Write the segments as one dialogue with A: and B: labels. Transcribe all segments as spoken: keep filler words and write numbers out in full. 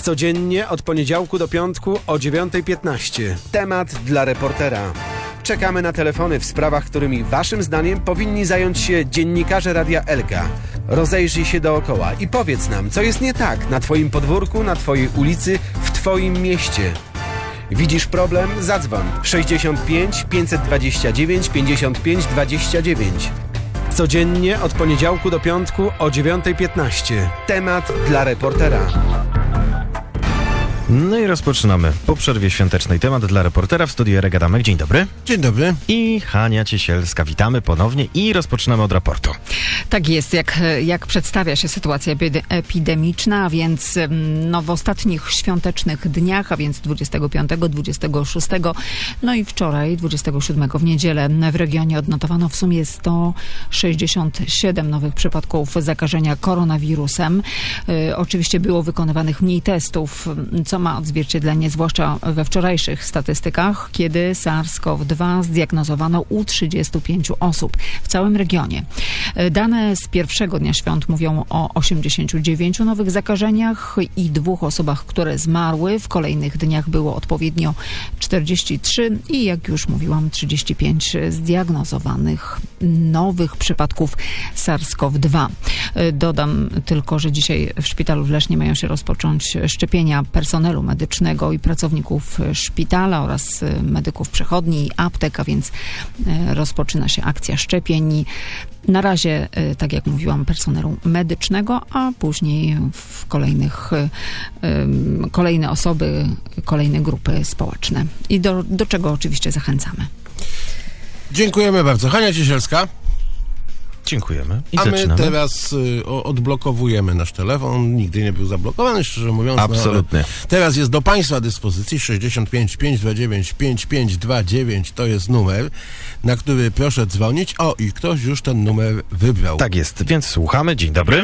A: Codziennie od poniedziałku do piątku o dziewiątej piętnaście. Temat dla reportera. Czekamy na telefony w sprawach, którymi waszym zdaniem powinni zająć się dziennikarze Radia Elka. Rozejrzyj się dookoła i powiedz nam, co jest nie tak na twoim podwórku, na twojej ulicy, w twoim mieście. Widzisz problem? Zadzwoń sześćdziesiąt pięć pięćset dwadzieścia dziewięć pięćdziesiąt pięć dwadzieścia dziewięć. Codziennie od poniedziałku do piątku o dziewiątej piętnaście. Temat dla reportera.
B: No i rozpoczynamy po przerwie świątecznej temat dla reportera w studiu Jarek Adamek. Dzień dobry.
C: Dzień dobry.
B: I Hania Ciesielska. Witamy ponownie i rozpoczynamy od raportu.
D: Tak jest, jak, jak przedstawia się sytuacja epidemiczna, a więc no, w ostatnich świątecznych dniach, a więc dwudziestego piątego, dwudziestego szóstego, no i wczoraj, dwudziestego siódmego w niedzielę w regionie odnotowano w sumie sto sześćdziesiąt siedem nowych przypadków zakażenia koronawirusem. Y, oczywiście było wykonywanych mniej testów, co ma odzwierciedlenie zwłaszcza we wczorajszych statystykach, kiedy SARS-CoV dwa zdiagnozowano u trzydziestu pięciu osób w całym regionie. Dane z pierwszego dnia świąt mówią o osiemdziesięciu dziewięciu nowych zakażeniach i dwóch osobach, które zmarły. W kolejnych dniach było odpowiednio czterdzieści trzy i jak już mówiłam trzydzieści pięć zdiagnozowanych nowych przypadków SARS-CoV dwa. Dodam tylko, że dzisiaj w szpitalu w Lesznie mają się rozpocząć szczepienia personelu medycznego i pracowników szpitala oraz medyków przychodni i aptek, a więc rozpoczyna się akcja szczepień. Na razie, tak jak mówiłam, personelu medycznego, a później w kolejnych kolejne osoby, kolejne grupy społeczne. I do, do czego oczywiście zachęcamy.
C: Dziękujemy bardzo. Hania Ciesielska.
B: Dziękujemy. I
C: A
B: zaczynamy.
C: my teraz y, o, odblokowujemy nasz telefon. Nigdy nie był zablokowany, szczerze mówiąc.
B: Absolutnie.
C: No, teraz jest do Państwa dyspozycji sześćdziesiąt pięć pięćset dwadzieścia dziewięć pięćdziesiąt pięć dwadzieścia dziewięć. To jest numer, na który proszę dzwonić. O, i ktoś już ten numer wybrał.
B: Tak jest, więc słuchamy. Dzień dobry.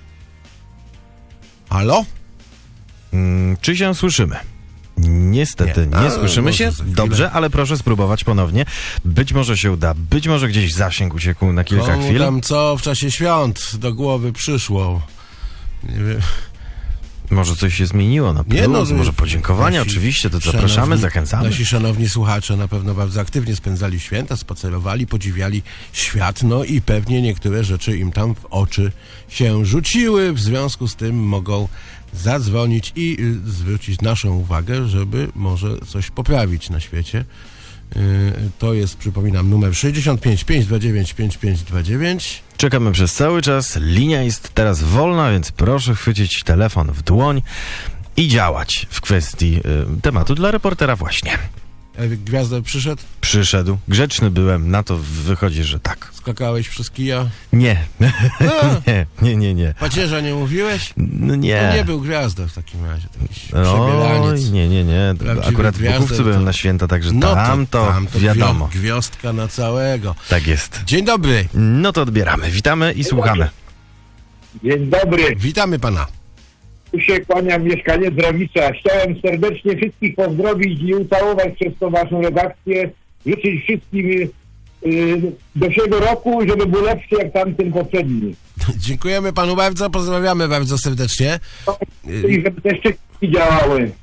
C: Halo?
B: Hmm, czy się słyszymy? Niestety nie,
C: nie. A,
B: słyszymy się. Dobrze, ale proszę spróbować ponownie. Być może się uda, być może gdzieś zasięg uciekł na kilka
C: Komu
B: chwil.
C: tam co w czasie świąt do głowy przyszło? Nie wiem.
B: Może coś się zmieniło na plus,
C: Nie, no,
B: może podziękowania,
C: nasi
B: oczywiście, to
C: szanowni,
B: zapraszamy, zachęcamy.
C: Nasi szanowni słuchacze na pewno bardzo aktywnie spędzali święta, spacerowali, podziwiali świat, no i pewnie niektóre rzeczy im tam w oczy się rzuciły, w związku z tym mogą zadzwonić i y, zwrócić naszą uwagę, żeby może coś poprawić na świecie. Y, to jest, przypominam, numer sześćdziesiąt pięć pięćset dwadzieścia dziewięć pięćdziesiąt pięć dwadzieścia dziewięć.
B: Czekamy przez cały czas, linia jest teraz wolna, więc proszę chwycić telefon w dłoń i działać w kwestii y, tematu dla reportera właśnie.
C: Ewik Gwiazda przyszedł?
B: Przyszedł, grzeczny byłem, na to wychodzi, że tak.
C: Skakałeś przez kija?
B: Nie,
C: A,
B: nie, nie, nie, nie.
C: pacierza nie mówiłeś?
B: No nie.
C: To nie był Gwiazda w takim razie, jakiś
B: Oj,
C: przebieraniec.
B: nie, nie, nie.
C: Prawdziwy
B: Akurat w
C: gwiazdę
B: Bukówcu byłem
C: to-
B: na święta, także
C: No
B: tam to,
C: tam to
B: wiadomo.
C: gwio- Gwiazdka na całego.
B: Tak jest.
C: Dzień dobry.
B: No to odbieramy. Witamy i słuchamy.
E: Dzień dobry,
C: Witamy pana.
E: tu się kłania mieszkaniec Rawicza. Chciałem serdecznie wszystkich pozdrowić i ucałować przez tą waszą redakcję. Życzyć wszystkim y, do siebie roku, żeby był lepszy jak tamten poprzedni.
C: Dziękujemy panu bardzo, pozdrawiamy bardzo serdecznie.
E: I żeby te szczepionki działały.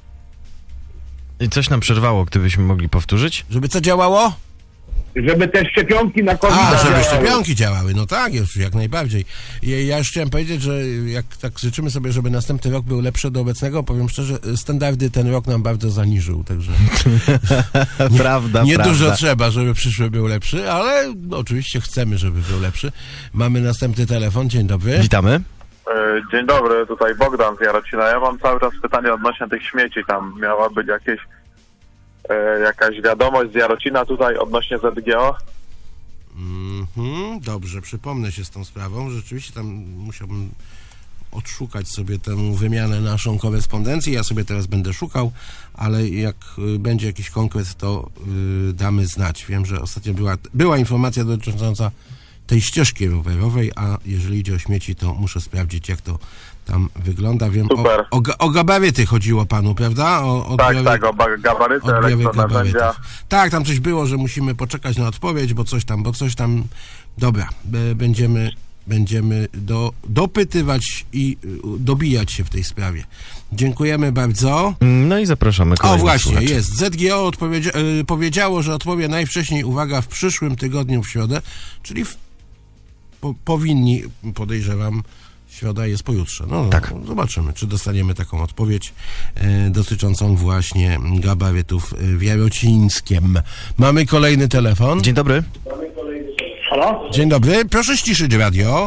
B: I coś nam przerwało, gdybyśmy mogli powtórzyć?
C: Żeby co działało?
E: Żeby te szczepionki na COVID
C: A, żeby
E: działały.
C: szczepionki działały. No tak, już jak najbardziej. I ja już chciałem powiedzieć, że jak tak życzymy sobie, żeby następny rok był lepszy do obecnego, powiem szczerze, standardy ten rok nam bardzo zaniżył, także
B: prawda,
C: nie
B: prawda.
C: dużo trzeba, żeby przyszły był lepszy, ale no, oczywiście chcemy, żeby był lepszy. Mamy następny telefon. Dzień dobry.
B: Witamy.
F: E, Dzień dobry, tutaj Bogdan z Jarocina. Ja mam cały czas pytanie odnośnie tych śmieci. Tam miała być jakieś, e, jakaś wiadomość z Jarocina tutaj odnośnie Z G O.
C: Mhm, dobrze, przypomnę się z tą sprawą. Rzeczywiście tam musiałbym odszukać sobie tę wymianę naszą korespondencji. Ja sobie teraz będę szukał, ale jak y, będzie jakiś konkret, to y, damy znać. Wiem, że ostatnio była, była informacja dotycząca tej ścieżki rowerowej, a jeżeli idzie o śmieci, to muszę sprawdzić, jak to tam wygląda. Wiem,
F: Super.
C: o, o, ga- o gabaryty chodziło panu, prawda? O, o
F: Tak,
C: odbiory-
F: tak, o ba- gabaryty,
C: odbiory
F: elektronarzędzia.
C: gabarytów. Tak, tam coś było, że musimy poczekać na odpowiedź, bo coś tam, bo coś tam... Dobra, b- będziemy będziemy do, dopytywać i y, dobijać się w tej sprawie. Dziękujemy bardzo.
B: No i zapraszamy
C: O
B: kolejnych
C: właśnie,
B: słuchaczy.
C: jest. Z G O odpowiedzia- y, powiedziało, że odpowie najwcześniej, uwaga, w przyszłym tygodniu w środę, czyli w, po, powinni, podejrzewam, środa jest pojutrze. No,
B: Tak.
C: no, zobaczymy, czy dostaniemy taką odpowiedź y, dotyczącą właśnie gabarytów y, w Jarocińskiem. Mamy kolejny telefon.
B: Dzień dobry.
E: Halo?
C: Dzień dobry, proszę ściszyć radio.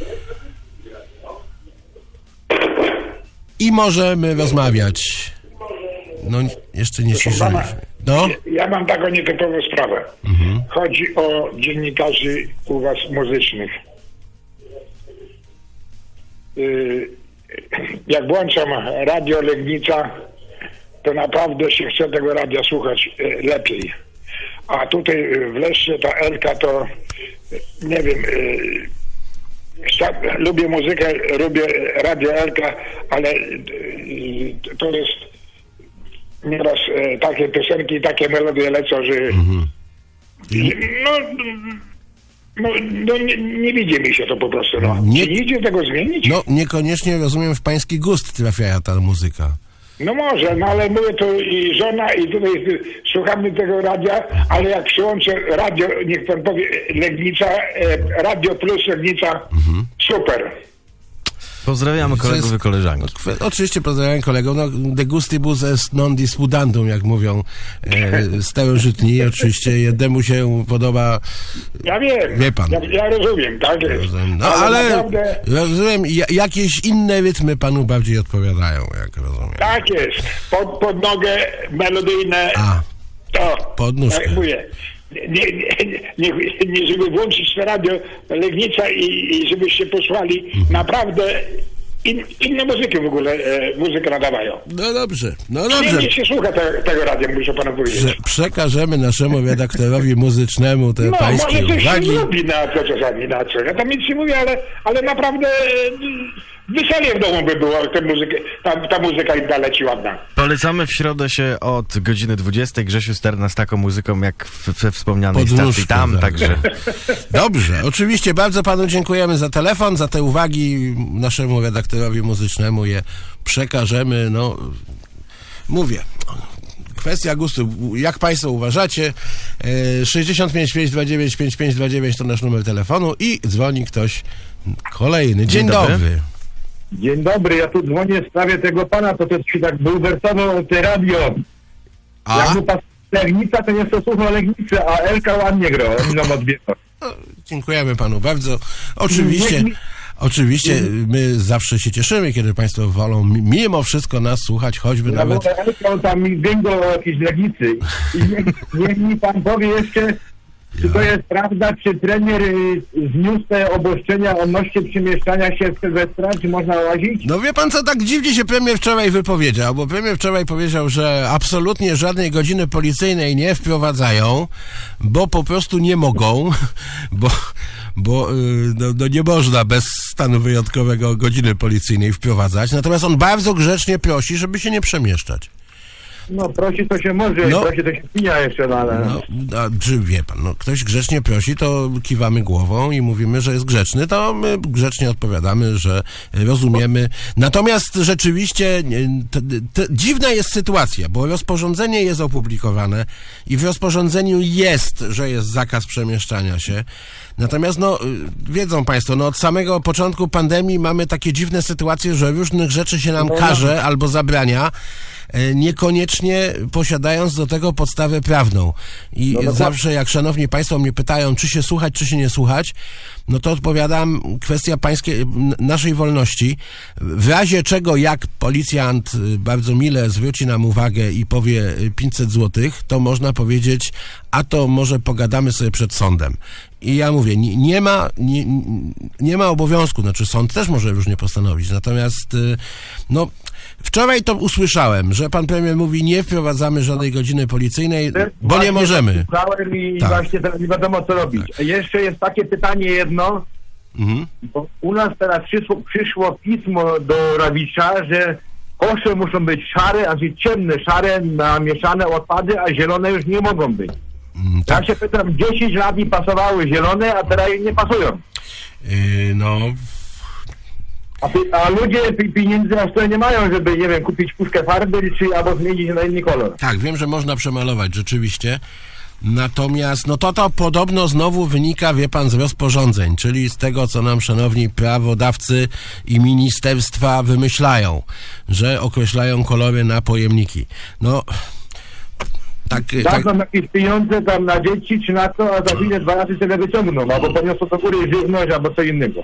C: I możemy rozmawiać. No, jeszcze nie ściszyliśmy. No,
G: Ja mam taką nietypową sprawę. Chodzi o dziennikarzy u was muzycznych. Yy, Jak włączam radio Legnica, to naprawdę się chce tego radia słuchać yy, lepiej. A tutaj yy, w Leszcie ta Elka to yy, nie wiem, yy, chcia- lubię muzykę, lubię radio Elka, ale yy, to jest nieraz e, takie piosenki, takie melodie lecą, że no, no, no nie, nie widzi mi się to po prostu. No.
C: Nie-
G: Czy nie idzie tego zmienić? No.
C: no niekoniecznie rozumiem, w pański gust trafia ta muzyka.
G: no może, no ale mówię to i żona i tutaj y, słuchamy tego radia, ale jak przyłączę radio, niech pan powie Legnica, e, Radio Plus Legnica, super.
B: Pozdrawiamy
C: To
B: kolegów
C: jest-
B: i koleżanki.
C: Kwe- Oczywiście pozdrawiam kolegów. No, de gustibus est non disputandum, jak mówią e, starożytni. Oczywiście jednemu się podoba.
G: Ja wiem,
C: Wie pan.
G: Ja, ja rozumiem, tak jest.
C: No ale
G: naprawdę
C: rozumiem, ja, jakieś inne rytmy panu bardziej odpowiadają, jak rozumiem.
G: tak jest. Pod, pod nogę melodyjne.
C: A,
G: To,
C: Pod nóżkę.
G: tak mówię. Nie, nie, nie, nie, żeby włączyć to radio Legnica i, i żebyście posłali,
C: Mhm.
G: naprawdę in, inne muzyki w ogóle e, muzykę nadawają.
C: no dobrze, no dobrze.
G: Nie się słucha te, tego radia, muszę panu powiedzieć.
C: Prze- przekażemy naszemu redaktorowi muzycznemu te
G: No,
C: pańskie
G: może coś się
C: uwagi.
G: zrobi na to czasami, na co. Ja tam nic nie mówię, ale, ale naprawdę e, weselnie w domu by było, tę muzykę, ta, ta muzyka i leci ładna.
B: Polecamy w środę się od godziny dwudziestej. Grzesiu Sterna z taką muzyką jak w- we wspomnianej
C: Pod
B: stacji
C: nóżką,
B: tam,
C: tak.
B: także
C: Dobrze, oczywiście bardzo panu dziękujemy za telefon, za te uwagi naszemu redaktorowi muzycznemu je przekażemy, no mówię. Kwestia gustu. Jak państwo uważacie? E, sześćdziesiąt pięć pięćset dwadzieścia dziewięć pięćdziesiąt pięć dwadzieścia dziewięć to nasz numer telefonu i dzwoni ktoś kolejny. Dzień,
B: Dzień dobry.
C: dobry.
E: Dzień dobry, ja tu dzwonię w sprawie tego pana, to też się tak bulwersował te radio.
C: A?
E: Jak mu pas Legnica, to nie to słucha Legnicy, a Elka ładnie gra, on nam odbiera.
C: Dziękujemy panu bardzo. Oczywiście,
E: Nie-
C: oczywiście my zawsze się cieszymy, kiedy państwo wolą mi- mimo wszystko nas słuchać, choćby
E: Ja
C: nawet...
E: mówię, Elka, on tam mi gęgo o jakiejś Legnicy. I niech, niech mi pan powie jeszcze, czy to jest prawda, czy trener y, zniósł te obostrzenia odnośnie przemieszczania się w Sylwestra, czy można łazić?
C: No wie pan co, tak dziwnie się premier wczoraj wypowiedział, bo premier wczoraj powiedział, że absolutnie żadnej godziny policyjnej nie wprowadzają, bo po prostu nie mogą, bo, bo y, no, no nie można bez stanu wyjątkowego godziny policyjnej wprowadzać, natomiast on bardzo grzecznie prosi, żeby się nie przemieszczać.
E: No prosi to się może,
C: No.
E: prosi to się pija jeszcze, no ale...
C: No, a, czy wie pan, no, ktoś grzecznie prosi, to kiwamy głową i mówimy, że jest grzeczny, to my grzecznie odpowiadamy, że rozumiemy. Natomiast rzeczywiście nie, te, te, dziwna jest sytuacja, bo rozporządzenie jest opublikowane i w rozporządzeniu jest, że jest zakaz przemieszczania się. Natomiast, no, y, wiedzą państwo, no, od samego początku pandemii mamy takie dziwne sytuacje, że różnych rzeczy się nam
E: No, no.
C: każe albo zabrania, y, niekoniecznie posiadając do tego podstawę prawną. I
E: No dokładnie.
C: zawsze jak szanowni państwo mnie pytają, czy się słuchać, czy się nie słuchać, no to odpowiadam, kwestia pańskiej, n- naszej wolności. W razie czego, jak policjant y, bardzo mile zwróci nam uwagę i powie y, pięćset złotych, to można powiedzieć, a to może pogadamy sobie przed sądem. I ja mówię, nie, nie ma nie, nie ma obowiązku, znaczy sąd też może różnie postanowić, natomiast y, no wczoraj to usłyszałem, że pan premier mówi, nie wprowadzamy żadnej godziny policyjnej, bo nie możemy.
E: Słuchałem i
C: Tak.
E: właśnie teraz nie wiadomo co robić. A jeszcze jest takie pytanie jedno,
C: Mhm.
E: bo u nas teraz przyszło, przyszło pismo do Rawicza, że kosze muszą być szare, a że ciemne, szare, namieszane odpady, a zielone już nie mogą być.
C: Mm,
E: Ja
C: tak.
E: się pytam, dziesięć lat mi pasowały zielone, a teraz nie pasują.
C: Yy, no...
E: A, pi- a ludzie pi- pieniędzy na stole nie mają, żeby, nie wiem, kupić puszkę farby, czy albo zmienić na inny kolor.
C: Tak, wiem, że można przemalować, rzeczywiście. Natomiast, no to to podobno znowu wynika, wie pan, z rozporządzeń, czyli z tego, co nam szanowni prawodawcy i ministerstwa wymyślają, że określają kolory na pojemniki. No, tak... tak
E: Dadzą jakieś pieniądze tam na dzieci, czy na to, a za chwilę dwa razy sobie wyciągną, albo poniosą do góry żywność, albo co innego.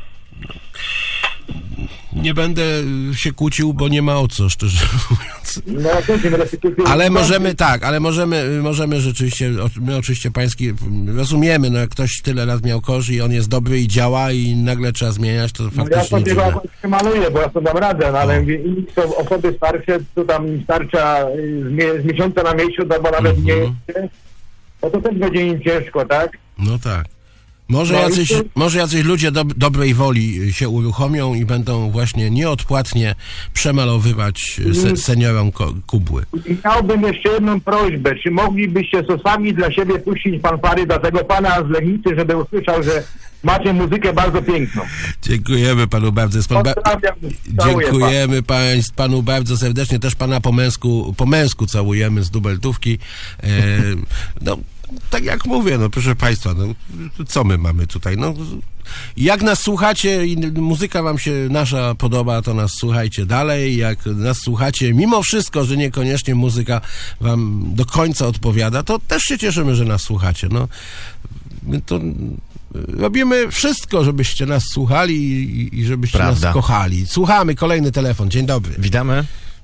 C: nie będę się kłócił, bo nie ma o co, szczerze mówiąc.
E: No, to się restytucje-
C: Ale możemy, tak, ale możemy, możemy rzeczywiście, o- my oczywiście pański rozumiemy, no jak ktoś tyle lat miał korzy i on jest dobry i działa i nagle trzeba zmieniać, to
E: No ja
C: faktycznie
E: sobie
C: dziwne.
E: go jakoś maluję, bo ja sobie dam radę, no, ale mówię, inni są osoby starsze, to tam im starcza y, z, mie- z miesiąca na miesiąc, albo nawet
C: Mhm.
E: nie, no to też będzie im ciężko, tak?
C: No tak. Może,
E: No i
C: jacyś,
E: tu-
C: może jacyś ludzie do, dobrej woli się uruchomią i będą właśnie nieodpłatnie przemalowywać se, seniorom ko, kubły.
E: I miałbym jeszcze jedną prośbę, czy moglibyście sosami dla siebie puścić fanfary dla tego pana z Legnicy, żeby usłyszał, że macie muzykę bardzo piękną.
C: Dziękujemy panu bardzo. Jest pan ba-
E: Pozdrawiam, całuję
C: Dziękujemy państw, panu bardzo serdecznie. Też pana po męsku, po męsku całujemy z dubeltówki. E, no, tak jak mówię, no proszę państwa, no, co my mamy tutaj? No, jak nas słuchacie i muzyka wam się nasza podoba, to nas słuchajcie dalej. Jak nas słuchacie, mimo wszystko, że niekoniecznie muzyka wam do końca odpowiada, to też się cieszymy, że nas słuchacie. No, my to robimy wszystko, żebyście nas słuchali i, i żebyście
B: Prawda.
C: nas kochali. Słuchamy, kolejny telefon. Dzień dobry.
B: Witamy.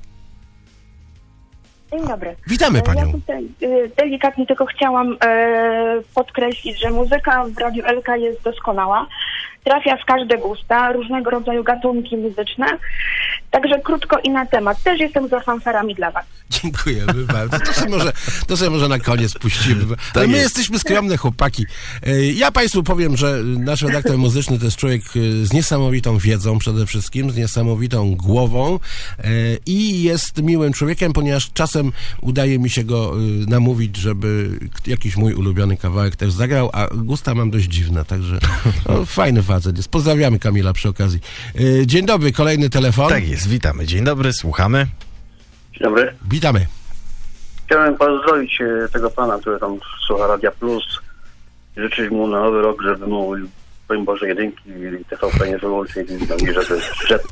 H: Dzień dobry.
C: Witamy
H: Ja
C: panią.
H: tutaj y, delikatnie tylko chciałam e, podkreślić, że muzyka w Radiu Elka jest doskonała. Trafia w każde gusta, różnego rodzaju gatunki muzyczne. Także krótko i na temat. Też jestem za fanfarami dla was.
C: Dziękujemy bardzo. To sobie może, to sobie może na koniec puścimy. Ale
B: Tak
C: my
B: jest.
C: jesteśmy skromne chłopaki. E, Ja państwu powiem, że nasz redaktor muzyczny to jest człowiek e, z niesamowitą wiedzą przede wszystkim, z niesamowitą głową e, i jest miłym człowiekiem, ponieważ czasem udaje mi się go e, namówić, żeby k- jakiś mój ulubiony kawałek też zagrał, a gusta mam dość dziwne, także no, fajny facet jest. Pozdrawiamy Kamila przy okazji. E, Dzień dobry, kolejny telefon.
B: Tak jest, witamy. Dzień dobry, słuchamy.
I: Dzień dobry.
C: Witamy.
I: Chciałem pozdrowić e, tego pana, który tam słucha Radia Plus. Życzyć mu na nowy rok, żeby mu, powiem Boże, jedynki i T V P nie wyłączyć i żeby wszedł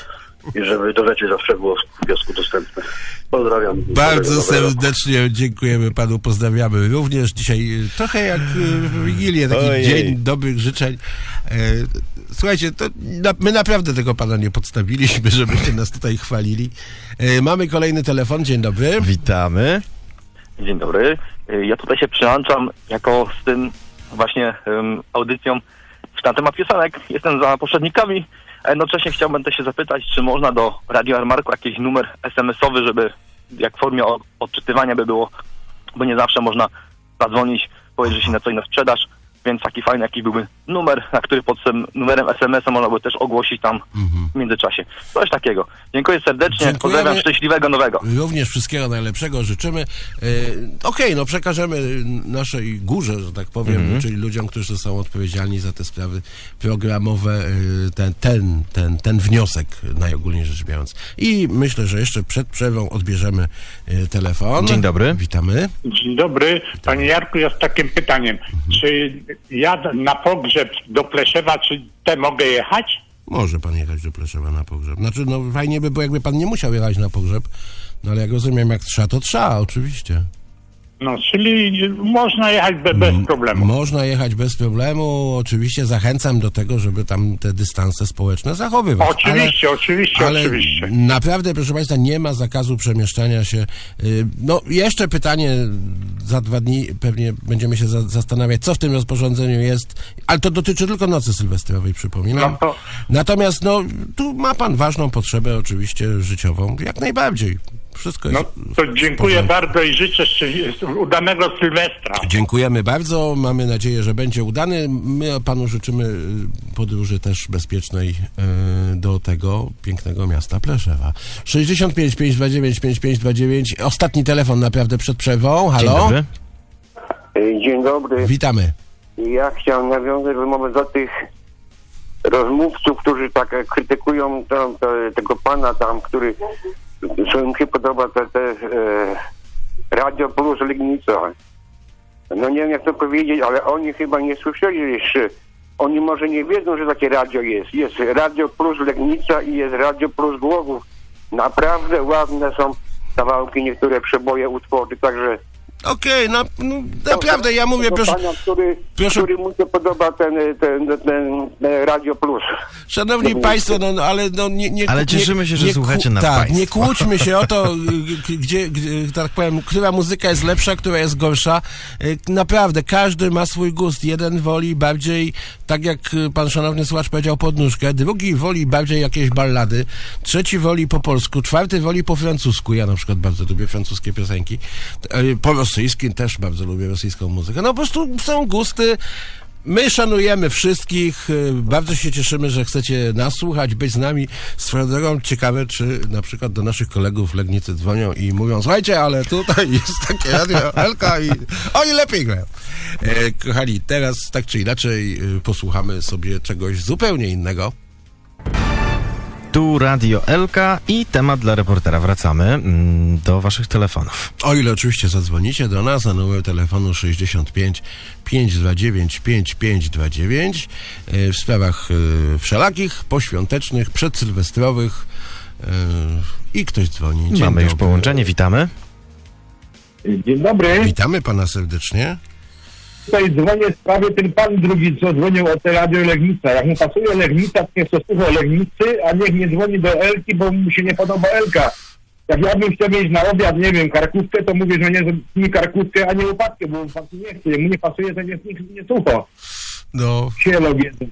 I: i żeby do rzeczy zawsze było w kiosku dostępne. Pozdrawiam.
C: Bardzo
I: Dobrego nowego roku.
C: serdecznie dziękujemy panu, pozdrawiamy. Również dzisiaj e, trochę jak e, w Wigilię, taki
B: Ojej.
C: dzień dobrych życzeń. E, Słuchajcie, to na, my naprawdę tego pana nie podstawiliśmy, żebyście nas tutaj chwalili. E, Mamy kolejny telefon, dzień dobry.
B: Witamy.
J: Dzień dobry. Ja tutaj się przyłączam jako z tym właśnie um, audycją na temat piosenek. Jestem za poprzednikami, a jednocześnie chciałbym też się zapytać, czy można do Radio Armarku jakiś numer es em esowy, żeby jak w formie o- odczytywania by było, bo nie zawsze można zadzwonić, powiedzieć, że się na coś na sprzedaż, więc taki fajny jakiś byłby numer, na który pod tym numerem es em es a można by też ogłosić tam w międzyczasie. Coś takiego. Dziękuję serdecznie,
C: Dziękujemy.
J: pozdrawiam, szczęśliwego nowego.
C: Również wszystkiego najlepszego życzymy. E, Okej, no przekażemy naszej górze, że tak powiem,
B: Mhm.
C: czyli ludziom, którzy są odpowiedzialni za te sprawy programowe, e, ten, ten, ten, ten wniosek, najogólniej rzecz biorąc. I myślę, że jeszcze przed przerwą odbierzemy e, telefon.
B: Dzień dobry.
C: Witamy.
G: Dzień dobry. Panie Jarku, ja z takim pytaniem. Czy ja na pogrzeb do Pleszewa, czy te mogę jechać?
C: Może pan jechać do Pleszewa na pogrzeb. Znaczy, no fajnie by było, jakby pan nie musiał jechać na pogrzeb, no ale jak rozumiem, jak trzeba, to trzeba, oczywiście.
G: No, czyli można jechać be, bez problemu.
C: Można jechać bez problemu. Oczywiście zachęcam do tego, żeby tam te dystanse społeczne zachowywać.
G: Oczywiście, oczywiście,
C: ale
G: oczywiście.
C: naprawdę, proszę państwa, nie ma zakazu przemieszczania się. Y, No, jeszcze pytanie, za dwa dni pewnie będziemy się za, zastanawiać, co w tym rozporządzeniu jest, ale to dotyczy tylko nocy sylwestrowej, przypominam.
G: No to-
C: Natomiast, no, tu ma pan ważną potrzebę oczywiście życiową, jak najbardziej. Wszystko jest
G: No to
C: w
G: dziękuję
C: porządku.
G: bardzo i życzę szczęś- udanego Sylwestra.
C: Dziękujemy bardzo, mamy nadzieję, że będzie udany. My panu życzymy y, podróży też bezpiecznej y, do tego pięknego miasta Pleszewa. sześćdziesiąt pięć pięćset dwadzieścia dziewięć pięćdziesiąt pięć dwadzieścia dziewięć. Ostatni telefon naprawdę przed przerwą.
B: Dzień
C: Halo?
B: dobry.
I: Dzień dobry.
C: Witamy.
I: Ja chciałem nawiązać wymowę do tych
K: rozmówców, którzy tak krytykują to, to, tego pana tam, który, co im się podoba, te, te e, Radio Plus Legnica. No nie wiem jak to powiedzieć, ale oni chyba nie słyszeli jeszcze. Oni może nie wiedzą, że takie radio jest. Jest Radio Plus Legnica i jest Radio Plus Głogów. Naprawdę ładne są kawałki, niektóre przeboje, utwory, także...
C: Okej, okay, no, no naprawdę, ja mówię, proszę...
K: Pana, który,
C: proszę...
K: który mu się podoba ten, ten, ten, ten Radio Plus.
C: Szanowni Państwo, no ale no nie... nie
B: ale cieszymy
C: nie,
B: się, że
C: nie,
B: słuchacie nas
C: Tak,
B: państwo.
C: nie kłóćmy się o to, gdzie, gdzie, tak powiem, która muzyka jest lepsza, która jest gorsza. Naprawdę, każdy ma swój gust. Jeden woli bardziej, tak jak pan szanowny słuchacz powiedział, podnóżkę, drugi woli bardziej jakieś ballady, trzeci woli po polsku, czwarty woli po francusku. Ja na przykład bardzo lubię francuskie piosenki. Po rosyjskim też bardzo lubię rosyjską muzykę. No po prostu są gusty. My szanujemy wszystkich. Bardzo się cieszymy, że chcecie nas słuchać, być z nami. Swoją drogą ciekawe, czy na przykład do naszych kolegów w Legnicy dzwonią i mówią: słuchajcie, ale tutaj jest takie radio Elka i oni lepiej grają. E, kochani, teraz tak czy inaczej posłuchamy sobie czegoś zupełnie innego.
B: Tu Radio Elka i temat dla reportera. Wracamy mm, do waszych telefonów.
C: O ile oczywiście zadzwonicie do nas na numer telefonu sześćdziesiąt pięć pięćset dwadzieścia dziewięć pięćdziesiąt pięć dwadzieścia dziewięć yy, w sprawach yy, wszelakich, poświątecznych, przedsylwestrowych yy, i ktoś dzwoni. Dzień
B: Mamy
C: dobry.
B: już połączenie, witamy.
E: Dzień dobry.
C: Witamy pana serdecznie.
E: Tutaj dzwonię w sprawie, ten pan drugi, co dzwonił o te Radio Legnica. Jak mu pasuje Legnica, to niech to słucha Legnicy, a niech nie dzwoni do Elki, bo mu się nie podoba Elka. Jak ja bym chciał mieć na obiad, nie wiem, karkówkę, to mówię, że nie, że nie karkówkę, a nie łopatkę, bo pan nie chce. Mu nie pasuje, to niech nikt nie słucha.
C: No.
E: Sielo wiedzą.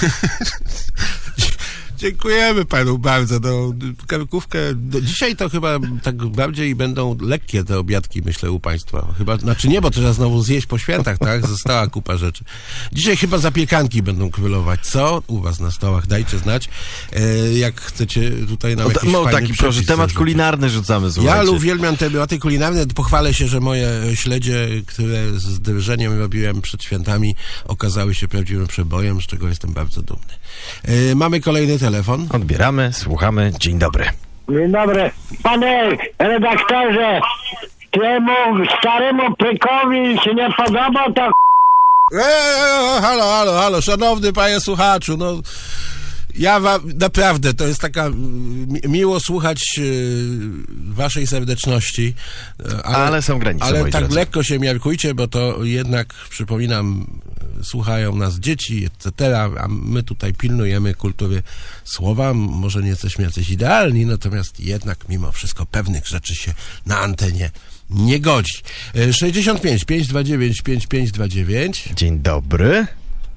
C: Dziękujemy panu bardzo. No, karkówkę. No, dzisiaj to chyba tak bardziej będą lekkie te obiadki, myślę, u państwa. Chyba, znaczy nie, bo to trzeba znowu zjeść po świętach, tak? Została kupa rzeczy. Dzisiaj chyba zapiekanki będą królować. Co u was na stołach? Dajcie znać. E, jak chcecie tutaj nam jakiś
B: No
C: fajny
B: taki proszę, temat
C: rzucić.
B: kulinarny rzucamy, słuchajcie.
C: Ja uwielbiam tematy kulinarne. Pochwalę się, że moje śledzie, które z drżeniem robiłem przed świętami, okazały się prawdziwym przebojem, z czego jestem bardzo dumny. E, mamy kolejny telefon.
B: Odbieramy, słuchamy. Dzień dobry.
L: Dzień dobry. Panie redaktorze, temu staremu pykowi się nie podoba to
C: Eee, halo, halo, halo, szanowny panie słuchaczu, no ja wam, naprawdę, to jest taka mi, miło słuchać y, waszej serdeczności, ale,
B: ale są granice,
C: ale
B: moi
C: tak
B: drodzy.
C: lekko się miarkujcie, bo to jednak, przypominam, słuchają nas dzieci, et cetera, a my tutaj pilnujemy kultury słowa, może nie jesteśmy jacyś idealni, natomiast jednak mimo wszystko pewnych rzeczy się na antenie nie godzi. sześćdziesiąt pięć pięćset dwadzieścia dziewięć pięćdziesiąt pięć dwadzieścia dziewięć.
B: Dzień dobry.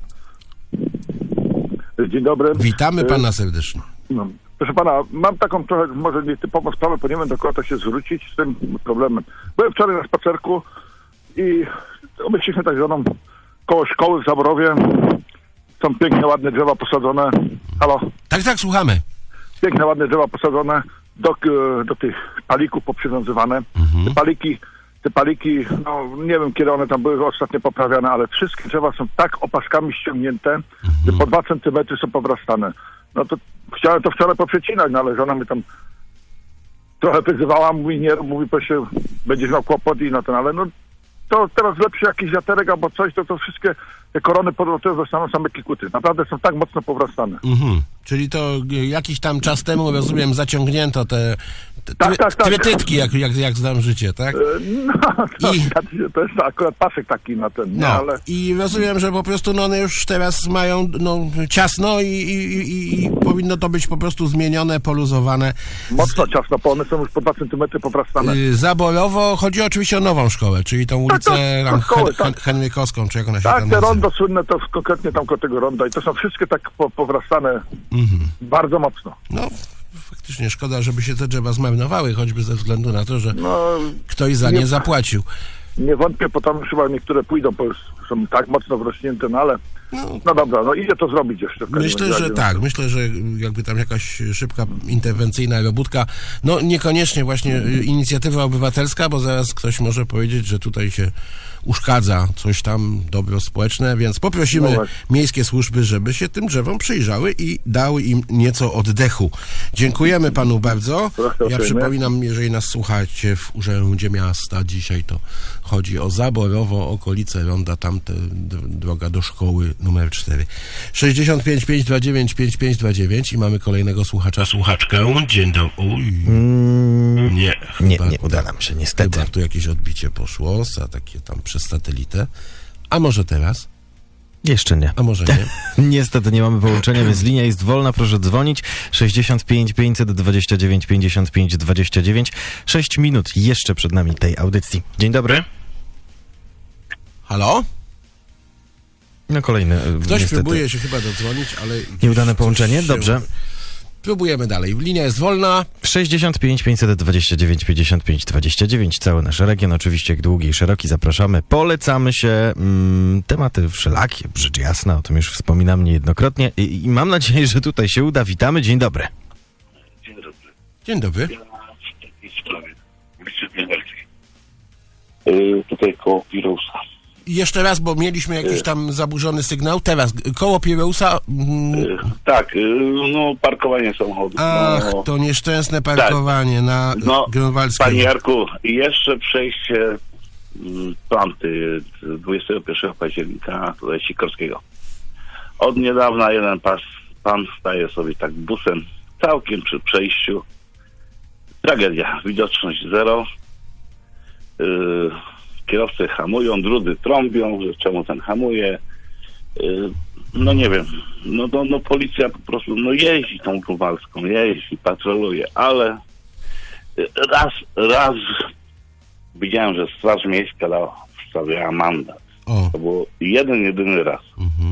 M: Dzień dobry.
C: Witamy pana serdecznie.
M: No, proszę pana, mam taką trochę może nietypową sprawę, bo nie wiem, do kogo to się zwrócić z tym problemem. Byłem wczoraj na spacerku i obeszliśmy tak zwaną koło szkoły w Zaborowie. Są piękne, ładne drzewa posadzone. Halo?
C: Tak, tak, słuchamy.
M: Piękne, ładne drzewa posadzone, do, do tych palików poprzywiązywane.
C: Mhm.
M: Te paliki, te paliki, no nie wiem kiedy one tam były ostatnio poprawiane, ale wszystkie drzewa są tak opaskami ściągnięte,
C: mhm.
M: że po dwa centymetry są powrastane. No to chciałem to wczoraj poprzecinać, no ale żona mi tam trochę wyzywała, mówi nie, mówi proszę, będziesz miał kłopot i no ten, ale no to teraz lepszy jakiś wiaterek albo coś, to to wszystkie te korony podlotowe zostaną same kikuty. Naprawdę są tak mocno powrastane.
C: Mhm. Czyli to jakiś tam czas temu, rozumiem, zaciągnięto te, te
M: tak,
C: try,
M: tak, tak.
C: trytytki, jak, jak, jak znam życie, tak?
M: No, to,
C: I...
M: to jest akurat pasek taki na ten, nie?
C: No,
M: ale...
C: i rozumiem, że po prostu no, one już teraz mają no, ciasno i, i, i, i powinno to być po prostu zmienione, poluzowane.
M: Mocno ciasno, bo one są już po dwa centymetry powrastane.
C: Yy, zaborowo, chodzi oczywiście o nową szkołę, czyli tą ulicę
M: tak,
C: tam,
M: szkoły,
C: Hen,
M: tak.
C: Henrykowską, czy jak ona się
M: Tak,
C: tam
M: te
C: nazywa.
M: rondo słynne to konkretnie tam koło tego ronda i to są wszystkie tak po, powrastane
C: Mhm.
M: bardzo mocno.
C: No, faktycznie szkoda, żeby się te drzewa zmarnowały, choćby ze względu na to, że
M: no,
C: ktoś za nie, nie zapłacił.
M: Nie wątpię, bo tam już chyba niektóre pójdą, bo już są tak mocno wrośnięte, no ale
C: No,
M: No dobra, no idzie to zrobić jeszcze. w każdym
C: Myślę,
M: razie,
C: że
M: no.
C: tak. Myślę, że jakby tam jakaś szybka, interwencyjna robótka, no niekoniecznie właśnie y, inicjatywa obywatelska, bo zaraz ktoś może powiedzieć, że tutaj się uszkadza coś tam, dobro społeczne, więc poprosimy
M: No właśnie.
C: miejskie służby, żeby się tym drzewom przyjrzały i dały im nieco oddechu. Dziękujemy panu bardzo.
M: Proszę
C: Ja
M: uprzejmie.
C: przypominam, jeżeli nas słuchacie w Urzędzie Miasta dzisiaj, to chodzi o Zaborowo, okolice Ronda, tamte d- droga do szkoły numer cztery. sześćdziesiąt pięć pięćset dwadzieścia dziewięć pięćdziesiąt pięć dwadzieścia dziewięć i mamy kolejnego słuchacza, słuchaczkę. Dzień dobry. Oj.
B: Mm,
C: Nie,
B: nie,
C: chyba-
B: nie uda nam się, niestety.
C: Chyba tu jakieś odbicie poszło, za takie tam przez satelitę. A może teraz?
B: Jeszcze nie.
C: A może nie?
B: Niestety nie mamy połączenia, więc linia jest wolna. Proszę dzwonić. sześćdziesiąt pięć pięćset dwadzieścia dziewięć pięćdziesiąt pięć dwadzieścia dziewięć. Sześć minut jeszcze przed nami tej audycji. Dzień dobry.
C: Halo?
B: No kolejny. e,
C: Ktoś
B: niestety
C: próbuje się chyba dodzwonić, ale...
B: Nieudane
C: coś
B: połączenie?
C: się-
B: Dobrze.
C: Próbujemy dalej. Linia jest wolna.
B: sześćdziesiąt pięć pięćset dwadzieścia dziewięć pięćdziesiąt pięć dwadzieścia dziewięć. Cały nasz region, oczywiście jak długi i szeroki. Zapraszamy. Polecamy się. Mm, tematy wszelakie, rzecz jasna. O tym już wspominam niejednokrotnie. I, I mam nadzieję, że tutaj się uda. Witamy. Dzień dobry.
N: Dzień dobry.
C: Dzień dobry.
N: Ja w takiej sprawie. ulicy Gniewelskiej. Yy, tutaj koło Pirousa.
C: Jeszcze raz, bo mieliśmy jakiś tam zaburzony sygnał. Teraz, koło Pirousa... Mm,
N: Yy, tak, yy, no parkowanie samochodów.
C: ach,
N: no,
C: to nieszczęsne parkowanie na
N: no,
C: Grunwaldzkiej.
N: Panie Jarku, jeszcze przejście mm, planty dwudziestego pierwszego października tutaj Sikorskiego. Od niedawna jeden pas, pan staje sobie tak busem całkiem przy przejściu. Tragedia. Widoczność zero. Yy, kierowcy hamują, drudzy trąbią, że czemu ten hamuje. Yy, no nie wiem. No, no, no policja po prostu no jeździ tą Grunwaldzką, jeździ, patroluje, ale yy, raz, raz widziałem, że Straż Miejska dała, wstawiała mandat.
C: O.
N: To było jeden, jedyny raz.
C: Mhm.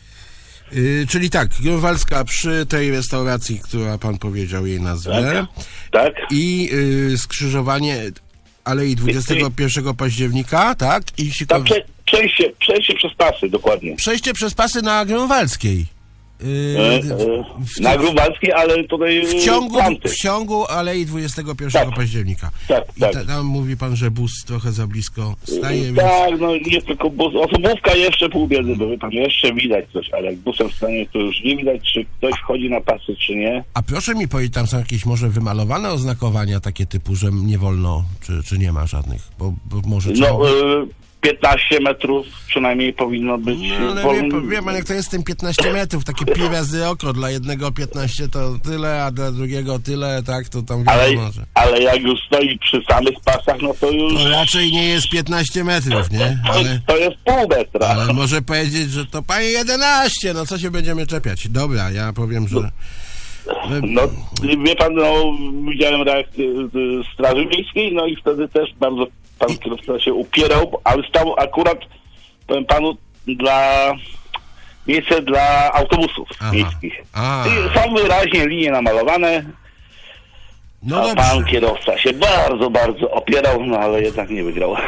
C: Y, czyli tak, Grunwaldzka przy tej restauracji, która pan powiedział jej nazwę.
N: Tak.
C: I y, skrzyżowanie Alei dwudziestego pierwszego października, tak? I
N: Tak,
C: Sikow...
N: prze, przejście, przejście przez pasy, dokładnie.
C: Przejście przez pasy na Grunwaldzkiej. Y,
N: E, e,
C: w,
N: na Grunwaldzkiej, ale tutaj
C: w ciągu,
N: planty.
C: w ciągu Alei dwudziestego pierwszego października.
N: Tak,
C: I
N: tak.
C: ta, tam mówi pan, że bus trochę za blisko staje, więc...
N: Tak, no nie tylko bus. Osobówka jeszcze pół biedy, bo wie pan, jeszcze widać coś, ale jak busem stanie, to już nie widać, czy ktoś wchodzi na pasy, czy nie.
C: A proszę mi powiedzieć, tam są jakieś może wymalowane oznakowania takie typu, że nie wolno, czy, czy nie ma żadnych? Bo, bo może trzeba...
N: No, y, piętnaście metrów przynajmniej powinno być
C: No, ale
N: wolny.
C: wie, pan- wie pan, jak to jest z tym piętnaście metrów, takie pi razy oko, dla jednego piętnaście to tyle, a dla drugiego tyle, tak, to tam
N: Ale,
C: wiadomo, że...
N: ale jak już stoi przy samych pasach, no to już...
C: To raczej nie jest piętnaście metrów, nie?
N: To,
C: Ale,
N: to jest pół metra.
C: ale może powiedzieć, że to panie jedenaście, no co się będziemy czepiać? Dobra, ja powiem, że...
N: No, wie pan, no, widziałem reakcję z Straży Miejskiej, no i wtedy też bardzo pan kierowca się upierał, ale stał akurat, powiem panu, dla miejsce dla autobusów
C: Aha.
N: miejskich.
C: A.
N: I są wyraźnie linie namalowane,
C: No
N: a
C: dobrze.
N: pan kierowca się bardzo, bardzo opierał, no ale jednak nie wygrał.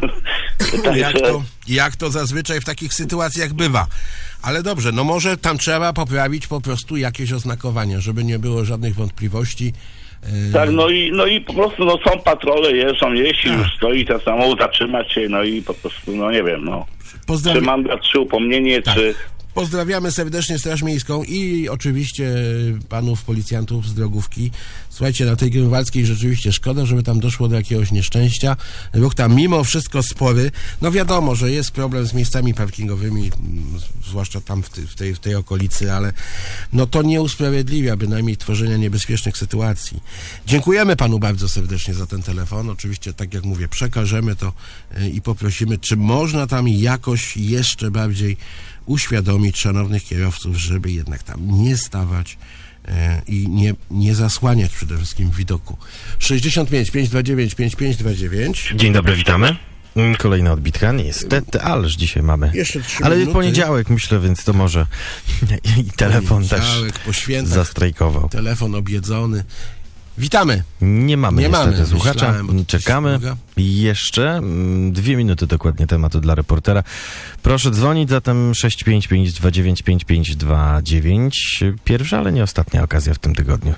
C: Jak to, jak to zazwyczaj w takich sytuacjach bywa. Ale dobrze, no może tam trzeba poprawić po prostu jakieś oznakowania, żeby nie było żadnych wątpliwości. Yy,
N: Tak, no i, no i po prostu no, są patrole, jeżdżą, jeśli już stoi ten samochód, zatrzymać się, no i po prostu, no nie wiem, no.
C: Pozdrawi-
N: Czy mandat, czy upomnienie,
C: Tak.
N: czy...
C: Pozdrawiamy serdecznie Straż Miejską i oczywiście panów policjantów z drogówki. Słuchajcie, na tej Grunwaldzkiej rzeczywiście szkoda, żeby tam doszło do jakiegoś nieszczęścia. Ruch tam mimo wszystko spory. No wiadomo, że jest problem z miejscami parkingowymi, mm, zwłaszcza tam w, ty, w, tej, w tej okolicy, ale no to nie usprawiedliwia bynajmniej tworzenia niebezpiecznych sytuacji. Dziękujemy panu bardzo serdecznie za ten telefon. Oczywiście, tak jak mówię, przekażemy to y, i poprosimy, czy można tam jakoś jeszcze bardziej uświadomić szanownych kierowców, żeby jednak tam nie stawać e, i nie, nie zasłaniać przede wszystkim widoku. sześćdziesiąt pięć pięćset dwadzieścia dziewięć pięćdziesiąt pięć dwadzieścia dziewięć.
B: Dzień dobry, witamy. Mm, Kolejna odbitka, niestety, ależ dzisiaj mamy.
C: Jeszcze trzy
B: Ale
C: minuty.
B: poniedziałek, myślę, więc to może i telefon też
C: Poniedziałek, po świętach.
B: zastrajkował.
C: Telefon objedzony. Witamy.
B: Nie mamy
C: Nie
B: niestety
C: mamy.
B: słuchacza.
C: Myślałem, bo to
B: Czekamy.
C: coś
B: Jeszcze mm, dwie minuty dokładnie tematu dla reportera. Proszę dzwonić zatem sześć pięć pięć dwa dziewięć pięć pięć dwa dziewięć. Pierwsza, ale nie ostatnia okazja w tym tygodniu.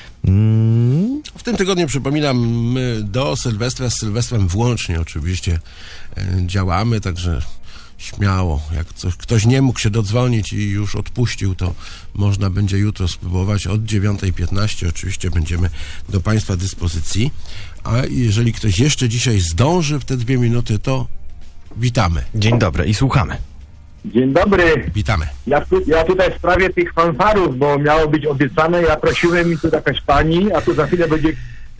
B: Mm.
C: W tym tygodniu, przypominam, my do Sylwestra, z Sylwestrem włącznie oczywiście e, działamy, także śmiało. Jak coś, ktoś nie mógł się dodzwonić i już odpuścił, to można będzie jutro spróbować od dziewiątej piętnaście. Oczywiście będziemy do Państwa dyspozycji. A jeżeli ktoś jeszcze dzisiaj zdąży w te dwie minuty, to witamy.
B: Dzień dobry i słuchamy.
O: Dzień dobry.
C: Witamy.
O: Ja, tu, ja tutaj w sprawie tych fanfarów, bo miało być obiecane, ja prosiłem i tu jakaś pani, a tu za chwilę będzie...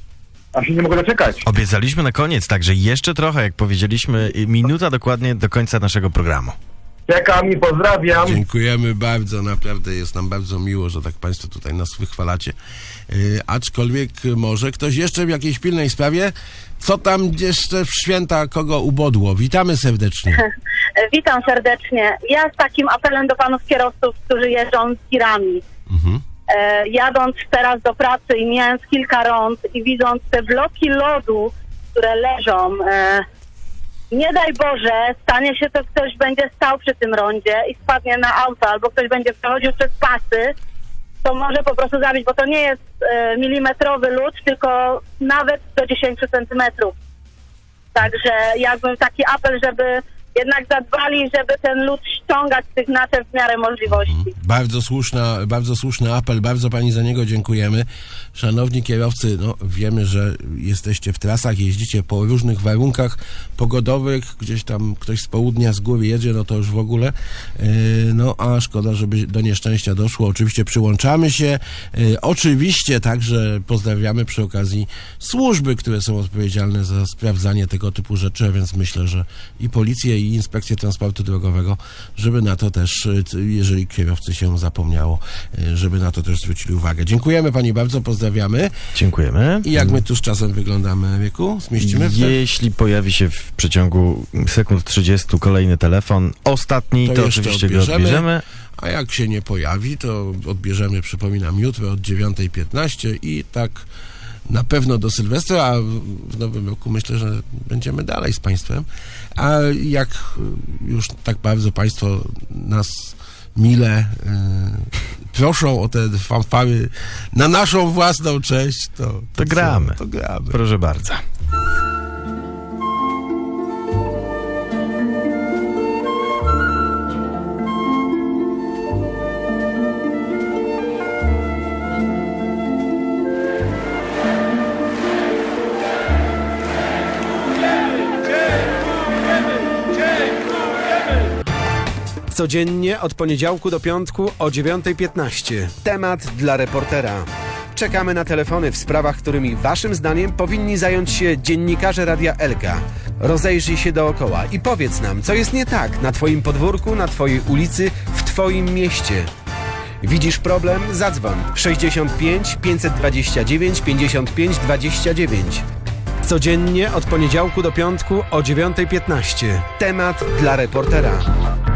O: A się nie mogę doczekać.
B: Obiecaliśmy na koniec, także jeszcze trochę, jak powiedzieliśmy, minuta dokładnie do końca naszego programu.
O: Czekam i pozdrawiam.
C: Dziękujemy bardzo, naprawdę jest nam bardzo miło, że tak Państwo tutaj nas wychwalacie. Yy, aczkolwiek może ktoś jeszcze w jakiejś pilnej sprawie, co tam jeszcze w święta kogo ubodło? Witamy serdecznie.
P: Witam serdecznie. Ja z takim apelem do panów kierowców, którzy jeżdżą z tirami.
C: Mhm.
P: E, jadąc teraz do pracy i mijając kilka rond i widząc te bloki lodu, które leżą, e, nie daj Boże, stanie się to, ktoś będzie stał przy tym rondzie i spadnie na auto, albo ktoś będzie przechodził przez pasy, to może po prostu zabić, bo to nie jest e, milimetrowy lód, tylko nawet do dziesięciu centymetrów. Także jakbym taki apel, żeby jednak zadbali, żeby ten lód ściągać z tych naczep w miarę możliwości.
C: Bardzo słuszna, bardzo słuszny apel, bardzo Pani za niego dziękujemy. Szanowni kierowcy, no wiemy, że jesteście w trasach, jeździcie po różnych warunkach pogodowych, gdzieś tam ktoś z południa, z góry jedzie, no to już w ogóle, yy, no a szkoda, żeby do nieszczęścia doszło. Oczywiście przyłączamy się, yy, oczywiście także pozdrawiamy przy okazji służby, które są odpowiedzialne za sprawdzanie tego typu rzeczy, a więc myślę, że i policję, i Inspekcję Transportu Drogowego, żeby na to też, jeżeli kierowcy się zapomniało, żeby na to też zwrócili uwagę. Dziękujemy Pani bardzo, pozdrawiamy.
B: Dziękujemy.
C: I jak my tu z czasem wyglądamy, Wieku? Zmieścimy w te...
B: Jeśli pojawi się w przeciągu sekund trzydziestu kolejny telefon, ostatni, to,
C: to
B: oczywiście
C: odbierzemy,
B: go odbierzemy.
C: A jak się nie pojawi, to odbierzemy, przypominam, jutro od dziewiątej piętnaście i tak na pewno do Sylwestra, a w nowym roku myślę, że będziemy dalej z Państwem. A jak już tak bardzo Państwo nas mile e, proszą o te fanfary na naszą własną cześć, to, to,
B: to gramy.
C: Co? To gramy.
B: Proszę bardzo.
A: Codziennie od poniedziałku do piątku o dziewiątej piętnaście. Temat dla reportera. Czekamy na telefony w sprawach, którymi waszym zdaniem powinni zająć się dziennikarze Radia Elka. Rozejrzyj się dookoła i powiedz nam, co jest nie tak na twoim podwórku, na twojej ulicy, w twoim mieście. Widzisz problem? Zadzwoń sześćdziesiąt pięć pięćset dwadzieścia dziewięć pięćdziesiąt pięć dwadzieścia dziewięć. Codziennie od poniedziałku do piątku o dziewiątej piętnaście. Temat dla reportera.